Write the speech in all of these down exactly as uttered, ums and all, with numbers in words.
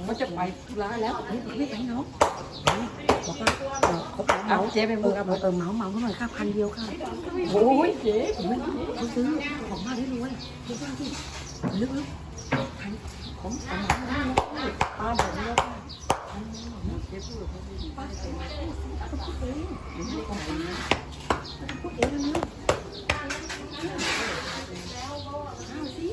เขาจะไปธุระแล้วเฮ้ยไม่ไปเนาะบอกว่าเออเขาเหมาเจ๊ไปเอมุอก เออเหมาเหมาเขาหน่อยค่ะพันเดียวค่ะโอ้ยเจ๊เขาซื้อของมาได้รวยซื้อบ้างที่ลึกๆพันของเอามาได้เลยป้าบอกเลยว่าพันเจ๊พูดเขาพูดป้าเองเขาพูดเองพูดเองนะข้าวสิ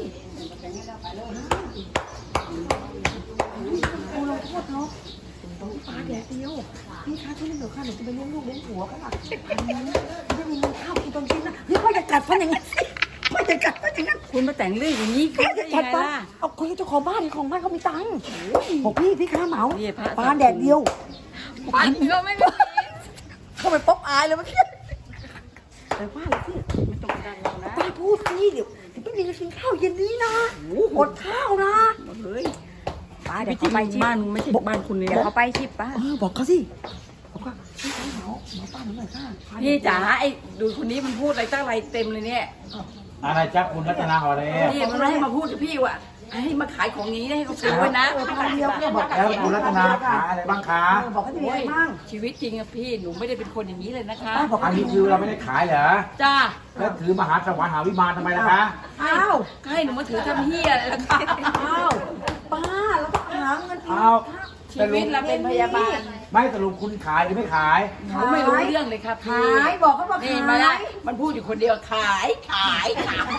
กูลงโทษเนาะต้องปลาแดดเดียวพี่คะช่วยเล่นเดี๋ยวค่ะหนูจะไปเลี้ยงลูกเลี้ยงผัวเขาล่ะไม่มีเงินข้าวกินตอนเช้านะนี่พ่ออย่ากัดฟันอย่างนั้นสิพ่ออย่ากัดฟันอย่างนั้นคุณมาแต่งเรื่องอย่างนี้พ่อได้อย่ายังกัดไงฟันล่ะเอาคุยกับเจ้าของบ้านของบ้านเขามีตังค์บอกพี่พี่ค้าเหมานี่พระปลาแดดเดียวปันก็ไม่มีเข้าไปป๊อปอายเลยเมื่อกี้แต่ว่าอะไรสิไม่ต้องดันเรานะป้าพูดสิเดี๋ยวเดี๋ยวไม่มีเงินกินข้าวเย็นนี้นะอดข้าวนะเฮ้ยป้าไม่เดี๋ยวใช่เขาไปชิบ้านมึงไม่ใช่บ้านคุณเลยเดี๋ยวนะเขาไปชิปป้าเออบอกเขาสิบอกว่าพี่ค้าเหมาเหมาป้าหนูหน่อยค่ะพี่จ๋าไอ้ดูคนนี้มันพูดอะไรตั้งอะไรเต็มเลยเนี่ยอะไรจ๊ะคุณรัตนาหอเลยนี่มันไม่ให้มาพูดกับพี่ว่ะให้มาขายของนี้ให้เขาซื้อไว้นะเออพันเดียวเนี่ยบอกแล้วคุณรัตนาขายอะไรบ้างคะเออบอกเขาจะมีอะไรบ้างชีวิตจริงอะพี่หนูไม่ได้เป็นคนอย่างนี้เลยนะคะป้าบอกอันนี้คือเราไม่ได้ขายเหรอจ้าแล้วถือมหาสวรรค์หาวิมานทำไมล่ะคะอ้าวก็ให้หนูมาถือทำเฮียอะไรล่ะคะอ้าวป้าแล้วก็หาเงินกินเอาชีวิตเราเป็นพยาบาลไม่สรุปคุณขายหรือไม่ขายหนูไม่รู้เรื่องเลยค่ะพี่ขายบอกเขาว่านี่ขามาละยมันพูดอยู่คนเดียวขายขายขาย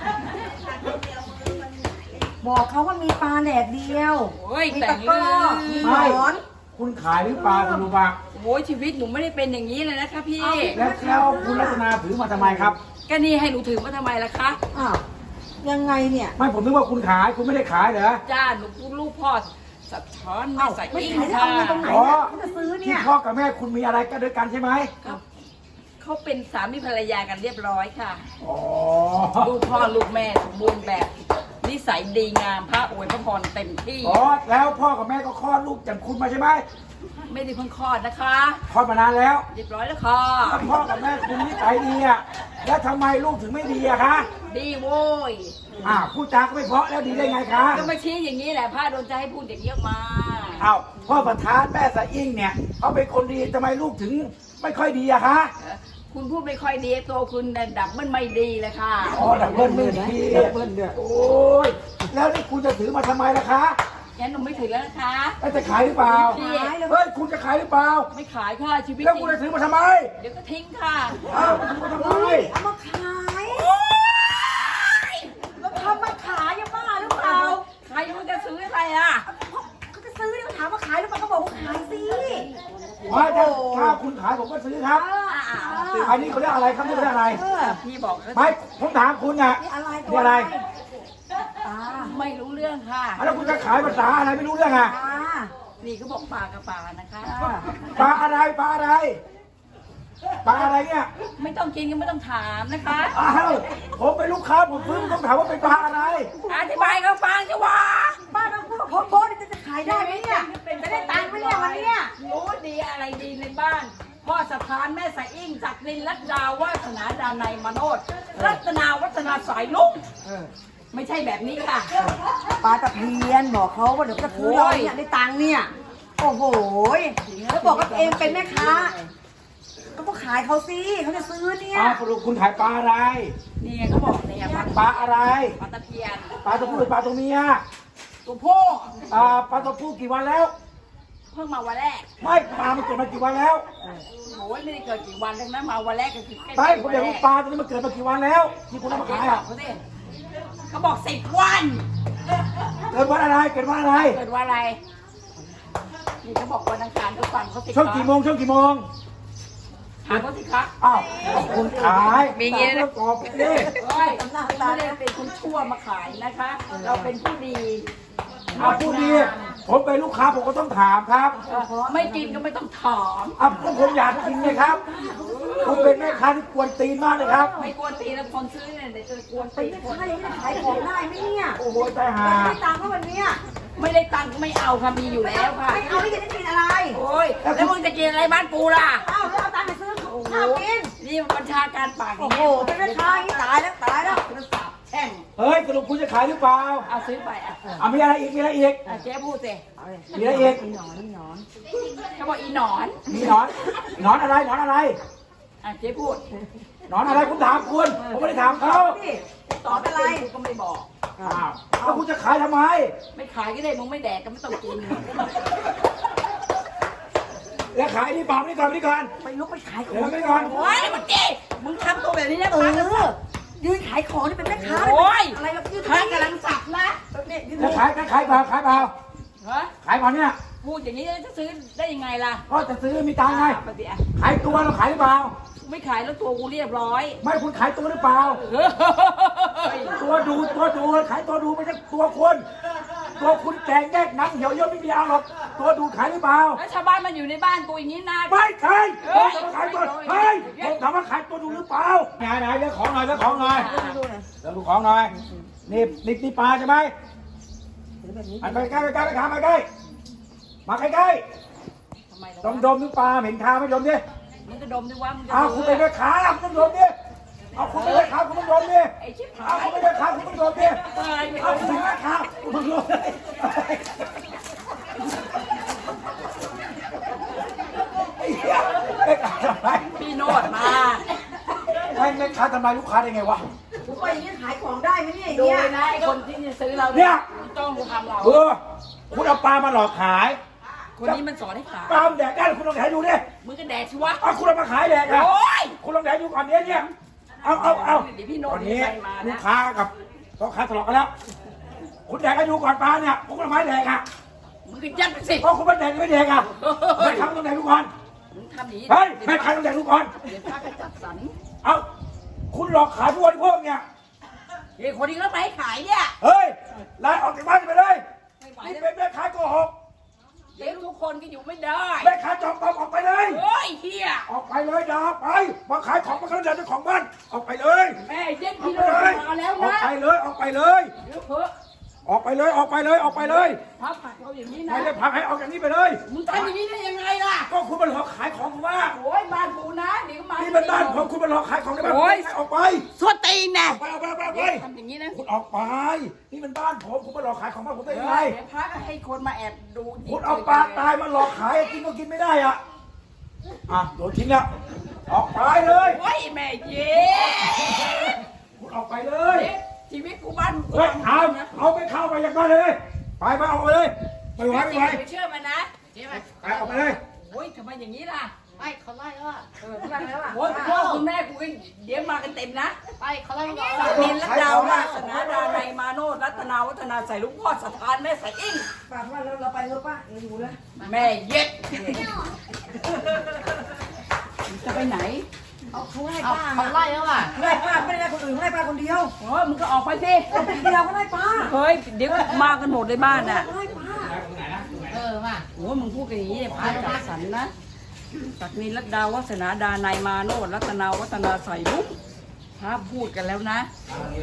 บอกเขาว่ามีปลาแดดเดียวโอ้ยมีแต่ตะงกร้อเรื่มีองหมอนคุณขายหรือเปล่าคุณรู้ปะโอ้ยชีวิตหนูไม่ได้เป็นอย่างนี้เลยนะคะพี่แล้วแล้วคุณรัตนาถือมาทำไมครับก็นี่ให้หนูถือมาทำไมล่ะคะอ้าวยังไงเนี่ยไม่ผมนึกว่าคุณขายคุณไม่ได้ขายเหรอจ้าหนูพูดลูกพ่อสะท้อนไม่อ้าวใส่ไม่อิงขายจะค่ะเอาเงินตรงไหนอ๋อเนี่ยเขาจะซื้อเนี่ที่ยพ่อกับแม่คุณมีอะไรกันด้วยกันใช่ไหมเขาเขาเป็นสามีภรรยากันเรียบร้อยค่ะอ๋อลูกพ่อลูกแม่สมบูรณ์แบบนิสัยดีงามพระอวยพระพรเต็มที่อ๋อแล้วพ่อกับแม่ก็คลอดลูกจากคุณมาใช่ไหมไม่ได้เพิ่งคลอดนะคะคลอดมานานแล้วเรียบร้อยแล้วค่ะถ้าพ่อกับแม่คุณนิสัยดีอะแล้วทำไมลูกถึงไม่ดีอะคะดีโว้ยอ่าพูดจาก็ไม่เพราะแล้วดีได้ไงคะก็มาชี้อย่างนี้แหละพระโดนใจให้พูดอย่างนี้ออกมาอ้าวพ่อประธานแม่สะอิ่งเนี่ยเขาเป็นคนดีทำไมลูกถึงไม่ค่อยดีอะคะเอ่อคุณพูดไม่ค่อยดีตัวคุณแต่ดับมันไม่ดีเลยค่ะอ๋อดับเบิ้ลไม่ดีดับเบิ้ลด้วยโอ้ยแล้วนี่คุณจะถือมาทำไมล่ะคะงั้นหนูไม่ถือแล้วนะคะแล้วจะขายหรือเปล่าพี่เฮ้ยคุณจะขายหรือเปล่าไม่ขายค่ะชีวิตแล้วจริคุณงจะถือมาทำไมเดี๋ยวก็ทิ้งค่ะอ้าวคุณถือมาทำไมเฮ้ยเอามาขายแล้วทำมาขายยังบ้าหรือเปล่าใครมันจะซื้ออะไรอ่ะเขาจะซื้อเนี่ยเขาถามว่าขายหรือเปล่าเขาบอกว่าขายสิว่าถ้าถ้าคุณขายผมก็ซื้อครับอ่าอันนี้เขาเรียกอะไรครับนี่เขาเรียกอะไรเออพี่บอกแล้วไม่ผมถามคุณอะนี่อะไรตันี่วอะไรตาไม่รู้เรื่องค่ะแล้วคุณจะขายภาษาอะไรไม่รู้เรื่องอะตานี่เขาบอกปลากระปลานะคะปลาอะไรปลาอะไรปลาอะไรเนี่ยไม่ต้องกินก็ไม่ต้องถามนะคะอ้าวผมเป็นลูกค้าผมซื้อต้องถามว่าเป็นปลาอะไรอธิบายเขาฟังจะว่าป้าต้องพูดกับพ่อโบ๊ทจะขายได้ไหมเนี่ยจะได้ตังค์ไหมเนี่ยวันเนี้ยรู้ดีอะไรดีในบ้าน พ่อสถานแม่สายอิ่งจักรินรัตดาวาสนาดานัยมโนดรัตนาวัฒนาสายลุงไม่ใช่แบบนี้ค่ะปลาตะเพียนบอกเขาว่าเดี๋ยวจะซื้อเราเนี่ยได้ตังค์เนี่ยโอ้โหแล้วบอกว่าตัวเองเป็นแม่ค้าก็ต้องขายเขาสิเขาจะซื้อเนี่ยอ้าวสรุปคุณขายปลาอะไรนี่ไงเขาบอกเนี่ยปลาปลาอะไรปลาตะเพียนปลาตัวผู้หรือปลาตัวเมียตัวพ่ออ่าปลาตัวผู้กี่วันแล้วเพิ่งมาวันแรกไม่ปลามันเกิดมากี่วันแล้วโอ้ยไม่ได้เกิดกี่วันทั้งนั้นมาวันแรกก็คือใกล้ๆไม่ผมวันอยากแรรู้กปลาตัวนี้มันเกิดมากี่วันแล้ว ที่คุณเอามาเขาขายบออ่ะกเขาสิเขาบอกสิบวันเกิดวันอะไรเกิดวันอะไรเกิดวันอะไรนี่เขาบอกวันอังคารก็ฟังเขาสิช่วงกี่โมงช่วงกี่โมงถามเขาสิคะอ้าวคุณขายมีอย่างงี้นะประกอบดิเฮ้ยเราไม่ได้เป็นคนชั่วมาขายนะคะ เราเป็นผู้ดีเอาพูดดีผมเป็นลูกค้าผมก็ต้องถามครับเออไม่กินก็ไม่ต้องถามอ่ะผมอยากกินเลยครับคุณเป็นแม่ค้าที่กวนตีนมากเลยครับไม่กวนตีนแล้วคนซื้อเนี่ยเดี๋ยวจะกวนเป็ตีนนแม่คนค้าอย่างนี้จะขายของได้ไหมเนี่ยโอ้โหใจหาไม่ได้ตังค์ก็วันเนี้ยไม่ได้ตังค์ก็ไม่เอาค่ะมีอยู่แล้วค่ะไม่เอาที่จะได้กินอะไรโอ้ยแล้วมึงจะกินอะไรบ้านกูล่ะอ้าวแล้วเอาตังค์ไปซื้อข้าวกินนี่บัญชาการปากโอ้โหเป็นแม่ค้าอย่างนี้ตายแล้วตายแล้วโทรศัพท์แข่งเฮ้ยสรุปคุณจะขายหรือเปล่าเอาซื้อไปอ่ะอ่ะมีอะไรอีกมีอะไรอีกอ่ะเจ๊พูดสิเอาเลยมีอะไรอีกมีหนอนมีหนอนเขาบอกอีหนอนมีหนอนหนอนอะไรหนอนอะไรอ่ะเจ๊พูดหนอนอะไรผมถามคุณผมไม่ได้ถามเขานี่ตอบอะไรกูก็ไม่บอกอ้าวแล้วคุณจะขายทำไมไม่ขายก็ได้มึงไม่แดกก็ไม่ต้องกินแล้วขายนี่เปล่านี่ก่อนนี่ก่อนไปลุกไปขายขอเดี๋ยวงไม่ก่อนโอ้ยมึงเจ๊มึงทำตัวแบบนี้นะเอพระกษัตอริย์ยืนขายของนี่เป็นแม่ค้าโอ้ยอะไรแบบยืนพระกำลังสับนะเนี่ยยืนแล้วขายขายเปล่าขายเปล่าฮะขายเปล่าเนี่ยพูดอย่างนี้จะซื้อได้ยังไงล่ะก็จะซื้อมีตังค์ไงปฏิอ่ะขายตัวเราขายหรือเปล่าไม่ขายแล้วตัวกูเรียบร้อยไม่คุณขายตัวหรือเปล่าเฮ้ยตัวดูตัวดูขายตัวดูไม่ใช่ตัวคนตัวคุณแกงแยกหนังเหี่ยวย่นไม่มีเอาหรอกตัวดูขายหรือเปล่าแล้วชาวบ้านมันอยู่ในบ้านกูอย่างนี้นะไม่ขายเฮ้ผมยถามว่าขายตัวเฮ้ยผมถามว่าขายตัวดูหรือเปล่าไหนไหนเรื่องของหน่อยเรื่องของหน่อยดูหน่อยเรื่องของหน่อยนี่นี่นี่ปลาใช่ไหมเดี๋ยวแบบนี้ไปใกล้ไปใกล้ไปขามาใกล้มาใกล้ใกล้ทำไมดมดมนึกปลาเหม็นคาไม่ดมดิมึงจะดมดิว่ามึงจะอ้าวคุณเป็นแม่ค้าคุณต้องดมดิเอาคุณเป็นแม่ค้าคุณต้องดมดิไอ้ชิบหาเอายคุณเป็นแม่ค้าคุณต้องดมดิตายไปเอาคุณเป็นแม่ค้าคุณต้องดมไอ้เหี้ยแม่ค้าทำไมพี่โนดมาให้แม่ค้าทำลายลูกค้าได้ไงวะผมไปอย่างนี้ขายของได้ไหมเนี่ยดูเนี่ยเลยนะไอ้คนที่จะซื้อเราเนี่ยจ้องกูทำเราเออคุณเอาปลามาหลอกขายคนนี้มันสอนให้ขายปลามันแดกได้คุณลองแดกดูดิมึงก็แดกสิวะเอาคุณเอามาขายแดกอะโอ้ยคุณลองแดกดูก่อนเนี้ยเนี่ยเอาเอาเอาเดี๋ยวพี่โนตดอนนี้ใส่มาลูนะกค้ากับพ่อค้าทะเลาะกันแล้ว คุณแดกให้ดูก่อนปลาเนี่ยคุณเอาไม้แดกอะมึงก็ยัดไปสิเพราะคุณไม่แดกไม่แดกอะแม่ค้าต้องแดกดูก่อนมึงทำอย่างนี้เฮ้ยแม่ค้าต้องแดกดูก่อนเดี๋ยวพระก็จัดสรรเอาคุณหลอกขายผู้บริโภคเนี่ยเฮ้ยคนนี้ก็ไม่ให้ขายเนี่ยเฮ้ยไล่ออกจากบ้านไปเลยไม่ไหวนี่แล้วเป็นแม่ค้าโกหกเดี๋ยวทุกคนก็อยู่ไม่ได้แม่ค้าจอมปลอมออกไปเลยโอ้ยเฮียออกไปเลยอย่าออกไปมาขายของมาขายเจ้าของบ้านออกไปเลยแม่เย็นออพี่กโนไปดเลยมาแล้วออกนะไปเลยออกไปเลยเดี๋ยวเพิ่ออกไปเลยออกไปเลยออกไปเลยพระผักเราอย่างนี้นะไม่ได้พักให้ออกจากนี้ไปเลยมึงทำอย่างนี้ได้ยังไงล่ะก็คุณมาหลอกขายของผมว่าโอ้ยบ้านกูนะเดี๋ยวก็มานี่เป็นบ้านผมคุณมาหลอกขายของในบ้านผมได้ไงออกไปสวดตีนนะออกไปออกไปออกไปออกไปทำอย่างนี้นะคุณออกไป นี่เป็นบ้านผมคุณมาหลอกขายของบ้านผมได้เดี๋ยังไงยวพระก็ให้คนมาแอบดูคุณเอาปลาตายมาหลอกขายกินก็กินไม่ได้อ่ะอ่ะโดนทิ้งแล้วออกไปเลยโอ้ยแม่เย็คุณออกไปเลยชีวิตกูบ้านกูเฮ้ยเอาเอาไปเข้าไปอย่างนั้นเลย ไปไปออกไปเลยไปไหวไปไหวไม่เชื่อมันนะเจ๊ไปไปออกไปเลยโอ้ยทำไมอย่างนี้ล่ะไปเขาไล่แล้วอ่ะเออฟังแล้วอ่ะโอ้ยพ่อคุณแม่กูก็เดี๋ยวมากันเต็มนะไปเขาไล่แล้วสักดินและดาววาสนาดาในยมาโนดรัตนาวัฒนาใส่ลุงพ่อสถานแม่ใส่อิ่งป้าว่าเราเราไปเถอะป้าเราอยู่เลยแม่เย็ดจะไปไหนเอาเขาไล่เอาป้าเขาไล่แล้วอ่ะไล่ป้าไม่ได้ไล่คนอื่นไล่ป้าคนเดียวโอ้ยมึงก็ออกไปสิคนเดียวก็ไล่ป้าเฮ้ยเดี๋ยวมากันหมดในบ้านน่ะไล่ป้าเออมาโอ้ยมึงพูดกันอย่างนี้เนี่ยพระจัดสรรนะสักนินรัตดาวัฒนาดานายมาโนดรัตนาวัฒนาใส่ลุงพระพูดกันแล้วนะ